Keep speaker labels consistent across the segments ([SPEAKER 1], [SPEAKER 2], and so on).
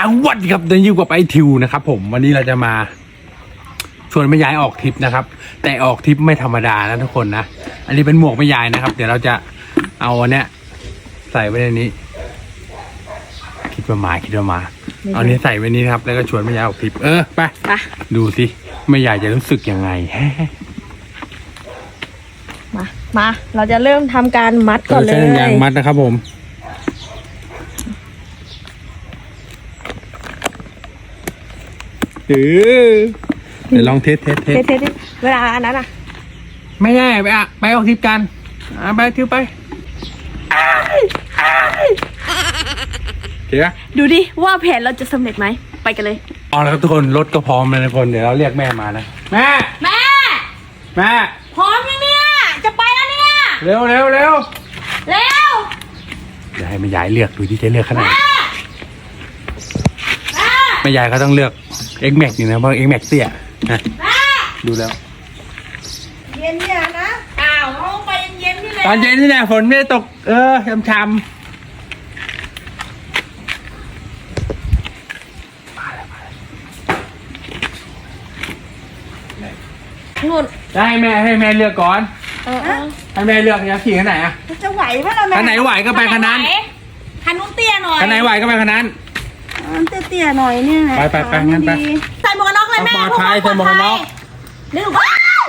[SPEAKER 1] วัสดีครับเดินอยู่กับไอทิวนะครับผมวันนี้เราจะมาชวนแม่ยายออกทริปนะครับแต่ออกทริปไม่ธรรมดานะทุกคนนะอันนี้เป็นหมวกแม่ยายนะครับเดี๋ยวเราจะเอาอันเนี้ยใส่ไว้ในนี้คิดว่ามาเอานี้ใส่ไว้นี้นะครับแล้วก็ชวนแม่ยายออกทริปไปดูสิแม่ยายจะรู้สึกยังไง
[SPEAKER 2] มาเราจะเริ่มทำการมัดก่อนเลย
[SPEAKER 1] ใช้ยางมัดนะครับผมเดี๋ยวลองเทส
[SPEAKER 2] เวลาอันนั้น
[SPEAKER 1] ไม่ได้ไปออกทริปกันไปทิวไปเดี๋ยว
[SPEAKER 2] ดูดิว่าแผนเราจะสำเร็จไหมไปกันเลย
[SPEAKER 1] เอาแล้วทุกคนรถก็พร้อมแล้วทุกคนเดี๋ยวเราเรียกแม่มานะแม่
[SPEAKER 2] พร้อมยังเนี่ยจะไปแล้วเนี่ย
[SPEAKER 1] เร็วเดี๋ยวให้แม่ยายเลือกดูที่จะเลือกขนาดแม่ยายเขาต้องเลือก X Max นี่นะเพราะ X Max เตี้ยนะดูแล้ว
[SPEAKER 2] เย็นเนี่ยนะเอาไปเย็นนี่เลย
[SPEAKER 1] ตอนเย็นนี่แหละฝนไม่ได้ตกช้ำ
[SPEAKER 2] นู่น
[SPEAKER 1] จะให้แม่เลือกก่อนให้แม่เลือกอยากขี่คันไหน
[SPEAKER 2] จะไหวไหมล่ะแม่
[SPEAKER 1] คันไหนไหวก็ไปคันนั้น
[SPEAKER 2] คันนู้นเตี้ยหน่อย
[SPEAKER 1] คันไหนไหวก็ไปคันนั้น
[SPEAKER 2] เตี้ยหน่อยนี่แหละ
[SPEAKER 1] ไปงั้นไป
[SPEAKER 2] ใส่หมวกกันน็อกเลยแม่
[SPEAKER 1] ปลอดภัยใส่หมวกกันน็อก
[SPEAKER 2] เร็วว้าว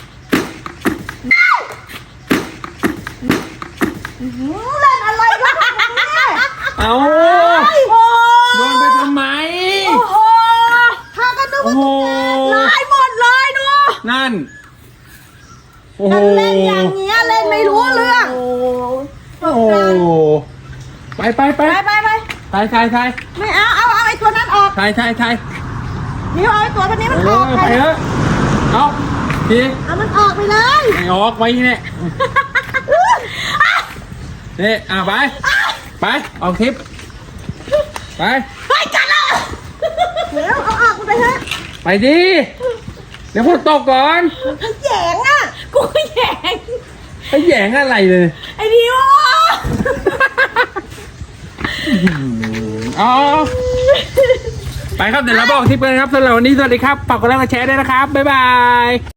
[SPEAKER 2] เล่นอะไรกัน
[SPEAKER 1] เอาโดนไปทำไม
[SPEAKER 2] ถ้ากันดูลายหมดเลยดู
[SPEAKER 1] นั่น
[SPEAKER 2] เล่นอย่างเงี้ยเล่นไม่รู้เรื่อง
[SPEAKER 1] ไป
[SPEAKER 2] ถ่ายไม่เอาไอ้ตัวนั้นออก
[SPEAKER 1] ถ่าย
[SPEAKER 2] นี่เอาไอ้ตัวนี้มันออก
[SPEAKER 1] ไปเถอะเอาที
[SPEAKER 2] เอามันออกไปเลย
[SPEAKER 1] ไม่ออกไว้เนี่ยนี่ไปออกคลิป
[SPEAKER 2] ไปกันแล้วเดี๋ยวเอาออกไปเถอะ
[SPEAKER 1] ไปดิเดี๋ยวพวกตกก่อน
[SPEAKER 2] แหย่งกูแหย่ง
[SPEAKER 1] แหย่งอะไรเลย
[SPEAKER 2] ไอ้ดิว
[SPEAKER 1] ไปครับเดี๋ยวเราบอกทิปกันครับสำหรับวันนี้สวัสดีครับฝากกดไลค์กดแชร์ด้วยนะครับบ๊ายบาย